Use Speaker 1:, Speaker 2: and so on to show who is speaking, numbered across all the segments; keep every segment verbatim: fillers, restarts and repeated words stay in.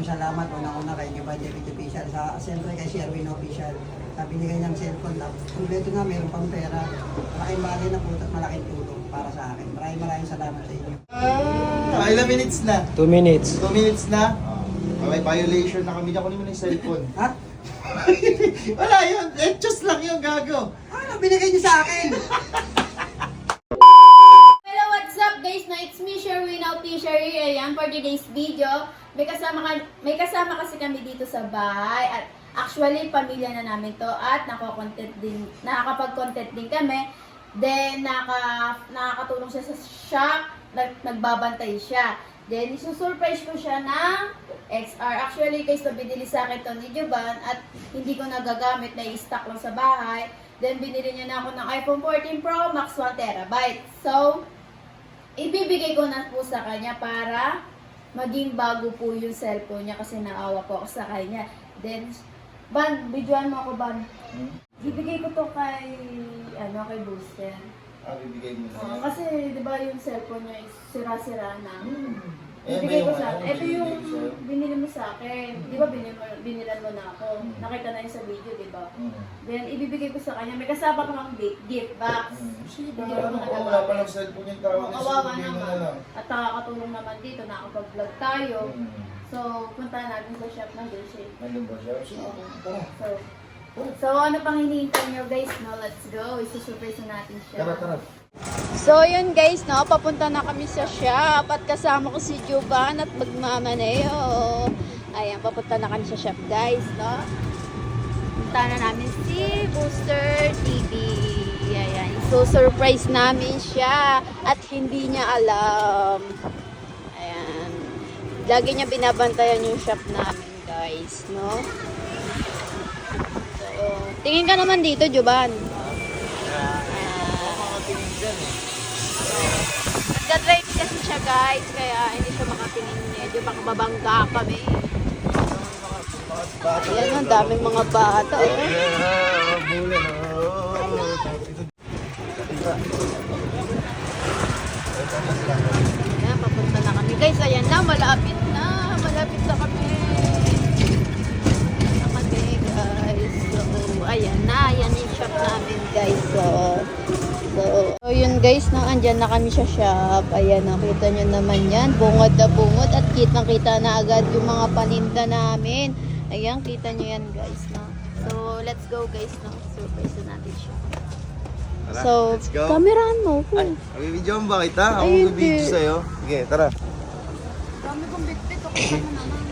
Speaker 1: nagpapasalamat unang-una kay Giovanni Official sa siyempre kay Sherwin Official. Sabi niya kanyang cellphone na kumpleto nga, meron pang pera. Malaking bagay na po at malaking tulong para sa akin. Maraming maraming salamat sa inyo.
Speaker 2: Ah, ilang minutes na?
Speaker 3: Two minutes.
Speaker 2: Two minutes na? Oh, may violation na kami. Ako naman yung cellphone.
Speaker 1: Ha?
Speaker 2: Wala yun. Eh, just lang yung gago.
Speaker 1: Ano binigay niyo sa akin?
Speaker 4: Hello, what's up guys? No, it's me, Sherwin Official. Ayan, for today's video. May kasama, ka, may kasama kasi kami dito sa bahay. At actually, pamilya na namin to. At nako-content din, nakakapag-content din kami. Then, naka, nakakatulong siya sa shop. Nag, nagbabantay siya. Then, isusurprise ko siya ng X R. Actually, guys, to binili sa akin to ni Jovan. At hindi ko nagagamit, na i-stock lang sa bahay. Then, binili niya na ako ng iPhone fourteen Pro Max one terabyte. So, ibibigay ko na po sa kanya para maging bago po yung cellphone niya kasi naawa po ako sa kanya. Then, Ban, videoan mo ako, Ban.
Speaker 2: Hmm?
Speaker 4: Ibigay ko to kay, ano, kay Booster.
Speaker 2: Ah, bibigay mo
Speaker 4: Oo,
Speaker 2: na.
Speaker 4: kasi, di ba yung cellphone niya is sira-sira na.
Speaker 2: Hmm.
Speaker 4: Ibigay ko sa
Speaker 2: ano,
Speaker 4: ito yung
Speaker 2: binibigay sa'yo?
Speaker 4: binili mo sa akin. Di ba binili mo, binilan mo na ako?
Speaker 2: Hmm.
Speaker 4: Nakita na yun sa video, di ba?
Speaker 2: Hmm.
Speaker 4: Then, ibibigay ko sa kanya. May kasama ko ng gift box.
Speaker 2: Hmm. Sige,
Speaker 4: Hindi
Speaker 2: baka
Speaker 4: ko
Speaker 2: ano,
Speaker 4: na
Speaker 2: oh, wala pa ng cellphone yung tao.
Speaker 4: Oo, kawawa naman. At nakakatulong naman dito, nakakapag-vlog tayo.
Speaker 2: Hmm.
Speaker 4: So, punta natin sa shop ng Dulce.
Speaker 2: Nandun ba siya? Sige,
Speaker 4: Oo.
Speaker 2: tara.
Speaker 4: So, so ano pang hinihintay nyo guys, no? Let's go. Isusurprise na natin siya.
Speaker 2: Tara, tara.
Speaker 4: So, yun guys, no? Papunta na kami sa shop at kasama ko si Jovan at magmamaneo. Ayan, papunta na kami sa shop guys, no? Punta na namin si Booster T V. Ayan, isusurprise namin siya at hindi niya alam. Ayan. Lagi niya binabantayan yung shop namin guys, no? So, tingin ka naman dito, Jovan. Nagdadrive kasi siya guys, kaya hindi siya makatingin. Medyo baka babangga kami. Ayan, ang daming mga bata. Oh. Ayan, papunta na kami guys. Ayan na, malapit na. Malapit na kami. Na kami guys. So, ayan na. Ayan yung shop namin guys. So, So, so yun guys, no, andyan na kami sa shop. Ayan, nakita nyo naman yan. Bungod na bungod at kitang-kita na agad yung mga paninda namin. Ayan, kita nyo yan guys, no. So, let's go guys, no. Surprise na natin siya.
Speaker 2: Tara,
Speaker 4: So,
Speaker 2: let's go.
Speaker 4: kamerahan mo.
Speaker 2: Ay, mag-video ba kita? Ako
Speaker 4: Ay,
Speaker 2: mag-video
Speaker 4: hindi.
Speaker 2: sa'yo. Sige, tara.
Speaker 4: Dami kong bitbit. Okay ka na naman.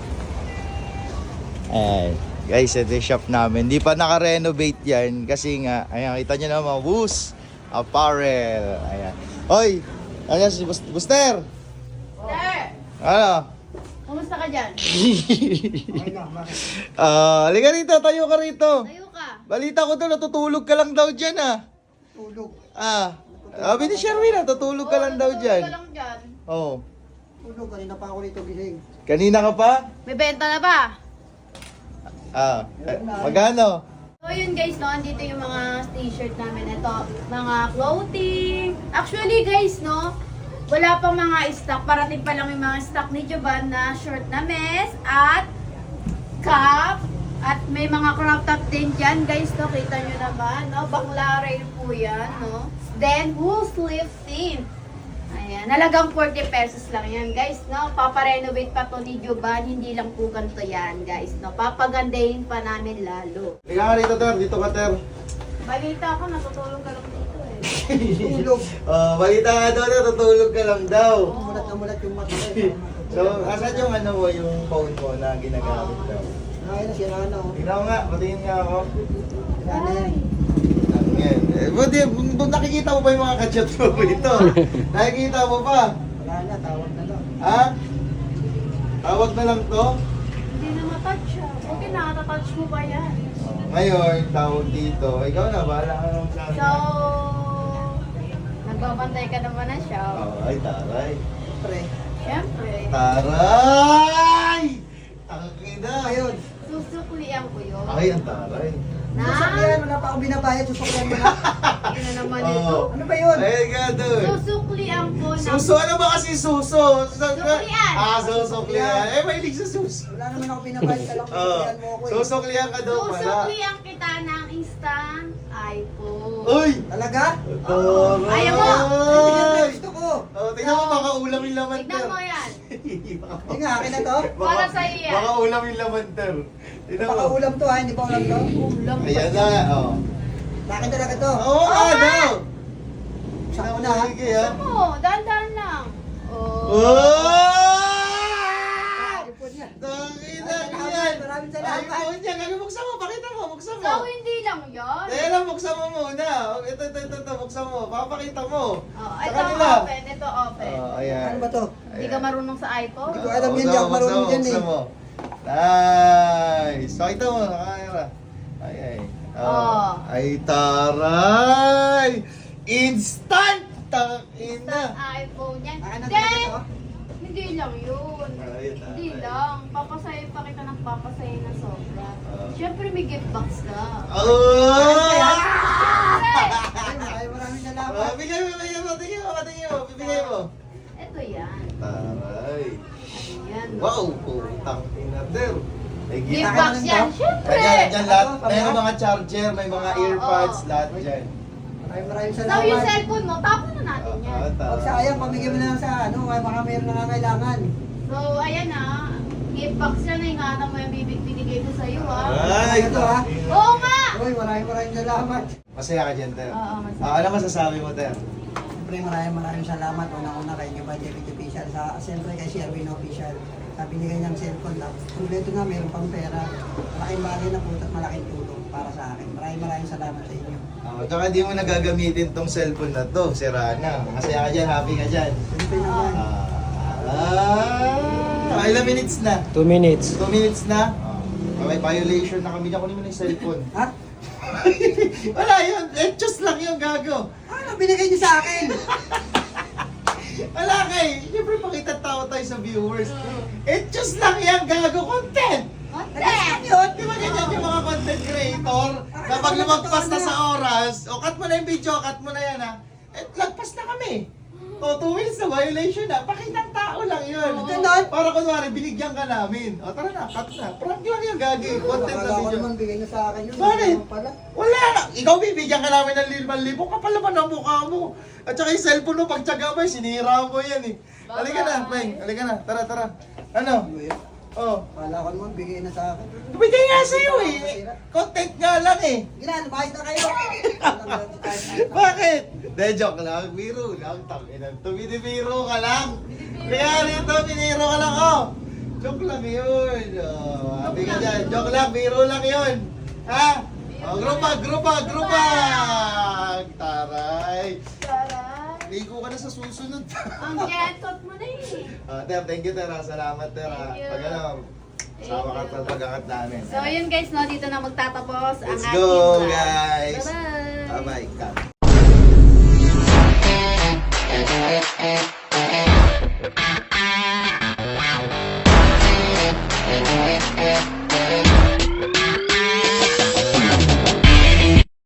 Speaker 2: Ayan. Guys, ito yung shop namin. Hindi pa naka-renovate yan kasi nga, ayan, kita nyo naman, Woos Apparel. Ayan. Hoy! Ayan si Bus- Buster!
Speaker 4: Sir!
Speaker 2: Ano?
Speaker 4: Kumusta ka dyan?
Speaker 1: Okay na, bakit?
Speaker 2: Ah, halika rito, tayo ka rito.
Speaker 4: Tayo ka.
Speaker 2: Balita ko to, natutulog ka lang daw dyan ah.
Speaker 1: Tulog.
Speaker 2: Ah, sabi ni Sherwin, natutulog ka lang daw
Speaker 4: Oo,
Speaker 2: dyan.
Speaker 4: natutulog ka lang dyan.
Speaker 2: Oo.
Speaker 1: Tulog. Kanina pa ako rito gising.
Speaker 2: Kanina ka pa?
Speaker 4: May benta na ba?
Speaker 2: Ah, eh, magkano?
Speaker 4: So yun guys, no, andito yung mga t-shirt namin. Ito, mga clothing. Actually guys, no, wala pang mga stock. Parating pa lang yung mga stock ni Jovan na short na mess at cap. At may mga crop top din dyan guys, no. Kita nyo naman, no. Banglaray po yan, no. Then, full sleeve thin. Ayan, nalagang forty pesos lang yan guys, no. Paparenovate pa to ni Jovan, hindi lang po ganito yan guys, no. Papagandahin pa namin lalo.
Speaker 2: Halika ka rito, Ter. Dito ka, Ter.
Speaker 4: Balita ko, natutulog ka lang dito eh.
Speaker 1: Tulog.
Speaker 2: Oh, balita ka daw, natutulog ka lang daw.
Speaker 1: Umulat na umulat yung mata ko.
Speaker 2: So, asan yung ano mo, yung phone mo na ginagamit daw?
Speaker 1: Ay, nasira na oh.
Speaker 2: Tingnan ko nga, patingin nga ako.
Speaker 1: Sira na yan.
Speaker 2: Ano yan? Eh, buti, bu- nakikita mo pa yung mga kachat mo rito. Nakikita mo pa?
Speaker 1: Wala na, tawag na lang.
Speaker 2: Ha? Tawag na lang to?
Speaker 4: Hindi na matouch siya. Okay, nakata-touch mo ba yan?
Speaker 2: Oh, ngayon, tawag dito. Ikaw na, bahala ka naman sa akin.
Speaker 4: So, nagbabantay ka naman na siya.
Speaker 2: Oh, ay, taray.
Speaker 1: Pre.
Speaker 4: Siyempre,
Speaker 2: Taray! Tangina!
Speaker 1: Ayun.
Speaker 4: susuklian ko yun.
Speaker 2: Ay, ang taray.
Speaker 4: Na?
Speaker 1: Susuklian, wala pa akong binabayad. Susuklian mo na.
Speaker 4: Yun na naman
Speaker 2: Oh.
Speaker 4: ito.
Speaker 1: Ano ba yun?
Speaker 2: Ay, ka doon.
Speaker 4: Susuklian ko ng...
Speaker 2: Suso, ano ba kasi suso?
Speaker 4: Suklian.
Speaker 2: Ah, susuklian. Eh, mahilig sa suso.
Speaker 1: Wala naman ako pinabayad ka lang.
Speaker 2: Oo.
Speaker 1: Pinabayad mo ako eh.
Speaker 2: Susuklian ka daw pala.
Speaker 4: Susuklian kita ng instant iPhone.
Speaker 2: Uy!
Speaker 1: Talaga?
Speaker 2: Toro!
Speaker 4: Ayaw mo?
Speaker 1: Hindi nga gusto ko.
Speaker 2: Oh, tingnan mo, baka ulam yung laman
Speaker 4: Tignan
Speaker 2: ter.
Speaker 4: mo yan.
Speaker 1: Hindi nga, akin na to.
Speaker 2: Baka-
Speaker 4: Para sa'yo yan.
Speaker 2: Baka ulam yung laman ter. Tingnan
Speaker 1: Baka
Speaker 2: mo.
Speaker 1: ulam to ha, hindi pa ulam to.
Speaker 4: Ulam pa.
Speaker 2: Ayan na, oh.
Speaker 1: Sa akin talaga to.
Speaker 2: Oo nga daw!
Speaker 1: Sa
Speaker 2: Tingnan mo
Speaker 1: una ha.
Speaker 2: sige ha.
Speaker 4: Gusto mo, dahan-dahan lang. Oh.
Speaker 2: Oh!
Speaker 1: iPhone yan.
Speaker 2: Tangina
Speaker 1: Ay,
Speaker 2: yan!
Speaker 1: maraming salamat.
Speaker 2: iPhone yan! Gagi, buksan mo! Pakita mo! Buksan mo!
Speaker 4: So, hindi lang yan.
Speaker 2: Dahil lang, buksan mo muna. Ito, ito, ito, ito, buksan mo. Papakita mo.
Speaker 4: Oh,
Speaker 2: Sa
Speaker 4: ito
Speaker 2: kanila.
Speaker 4: open, ito open.
Speaker 2: Oh, ayan.
Speaker 1: Ano ba to?
Speaker 4: Hindi ka marunong sa iPhone?
Speaker 1: Hindi ko alam yan,
Speaker 2: Buksan
Speaker 1: di ako
Speaker 2: mo,
Speaker 1: marunong
Speaker 2: buksan mo,
Speaker 1: dyan eh.
Speaker 2: buksan mo. Nice! Pakita mo, nakakira. Ay, ay.
Speaker 4: Oh.
Speaker 2: Ay, taray! Instant! Tangina!
Speaker 4: Instant iPhone yan.
Speaker 1: Akin na
Speaker 4: Hindi!
Speaker 1: talaga to.
Speaker 4: Hindi lang yun.
Speaker 2: Ay,
Speaker 4: Hindi
Speaker 2: taray.
Speaker 4: lang. Papasayo pa kita ng papasayo na sobra.
Speaker 2: Ah.
Speaker 4: Siyempre may gift box ka.
Speaker 2: Oh!
Speaker 1: Ay, maraming salamat.
Speaker 2: Ah, bigay mo, bigay mo, tingin mo, tingin mo, bibigay mo.
Speaker 4: Ito yan.
Speaker 2: Taray.
Speaker 4: Ayan.
Speaker 2: Wow, putang ina, der. May
Speaker 4: Gift
Speaker 2: gift.
Speaker 4: box yan. Siyempre.
Speaker 2: Ayan, dyan lahat.
Speaker 1: Ano,
Speaker 2: May
Speaker 1: pamaya?
Speaker 2: mga charger, may mga
Speaker 4: Oo,
Speaker 2: earpods,
Speaker 4: oo.
Speaker 2: lahat dyan.
Speaker 1: Maraming maraming
Speaker 4: So yung
Speaker 1: salamat.
Speaker 4: cellphone mo, tapon na natin yan.
Speaker 2: Ah,
Speaker 1: Huwag sayang, pamigyan mo na lang sa ano, ay baka mayroon nangangailangan.
Speaker 4: So ayan ah. Gift box yan. Ingatan mo yung bibig binigay ko sa'yo ah.
Speaker 2: Ay,
Speaker 1: Ito, ha?
Speaker 4: Oo nga!
Speaker 1: Uy, maraming maraming salamat.
Speaker 2: Masaya ka dyan, Ter.
Speaker 4: Oo, masaya.
Speaker 2: Ah, ano masasabi mo, Ter?
Speaker 1: Siyempre maraming maraming salamat. Una-una kay New Budget Official. Sa, siyempre kay Sherwin Official. Sa binigay niyang cellphone na. Kompleto nga, mayroon pang pera. Malaking bagay na po at malaking tulong para sa akin. Maraming maraming salamat sa inyo.
Speaker 2: Ah, tsaka di mo nagagamitin tong cellphone na to. Sira na. Masaya ka dyan, happy ka dyan.
Speaker 1: Siyempre naman.
Speaker 2: Ah, ah, ilang minutes na?
Speaker 3: Two minutes.
Speaker 2: Two minutes na? Ah, may violation na kami. Kunin mo na yung cellphone.
Speaker 1: Ha?
Speaker 2: Wala yun. Etchos lang yung gago.
Speaker 1: Ano binigay niyo sa akin?
Speaker 2: Wala kay. Siyempre pakita tao tayo sa viewers. Etchos lang yan gago. Content.
Speaker 4: Content!
Speaker 1: Yun.
Speaker 2: Di ba ganyan yung mga content creator? Kapag lumagpas na sa oras, o cut mo na yung video, cut mo na yan ha. Eh, lagpas na kami. O, two minutes na violation na. Pakitang tao lang yun.
Speaker 1: Ganon.
Speaker 2: Para kunwari, binigyan ka namin. O, tara na, cut na. Prank lang yung gagi. Content na
Speaker 1: Akala ko
Speaker 2: video.
Speaker 1: naman bigay niyo sa akin yun.
Speaker 2: Bakit?
Speaker 1: Hindi naman pala.
Speaker 2: Wala na. Ikaw bibigyan ka namin ng limang libo. Kapal naman ang mukha mo. At saka yung cellphone mo, pagtsaga mo, eh, sinira mo yan eh. Halika na, Peng. Halika na. Tara, tara. Ano? Oh.
Speaker 1: Akala ko naman bigay na sa akin.
Speaker 2: Bigay nga sa'yo eh. Content nga lang eh.
Speaker 1: Ginan, mahit na kayo.
Speaker 2: Bakit? De, joke lang. Biro lang. Tanginan to. Binibiro ka lang. Kaya rito, biniro ka lang. Oh. Joke lang yun. Oh, happy ka dyan. Joke lang. Biro lang yun. Ha? Oh, grupag, grupag, grupag. Taray.
Speaker 4: Taray!
Speaker 2: Ligo ka na sa susunod.
Speaker 4: Ang jetot mo na eh.
Speaker 2: Ah, Ter, thank you, Ter. ah. Salamat, Ter. ah.
Speaker 4: Thank you.
Speaker 2: Pag ano, sama ka
Speaker 4: Thank
Speaker 2: sa
Speaker 4: you.
Speaker 2: pag-akat namin.
Speaker 4: So yun guys, no, dito na magtatapos ang
Speaker 2: Let's
Speaker 4: ating
Speaker 2: go,
Speaker 4: vlog.
Speaker 2: guys.
Speaker 4: Bye-bye!
Speaker 2: Bye-bye. Cut.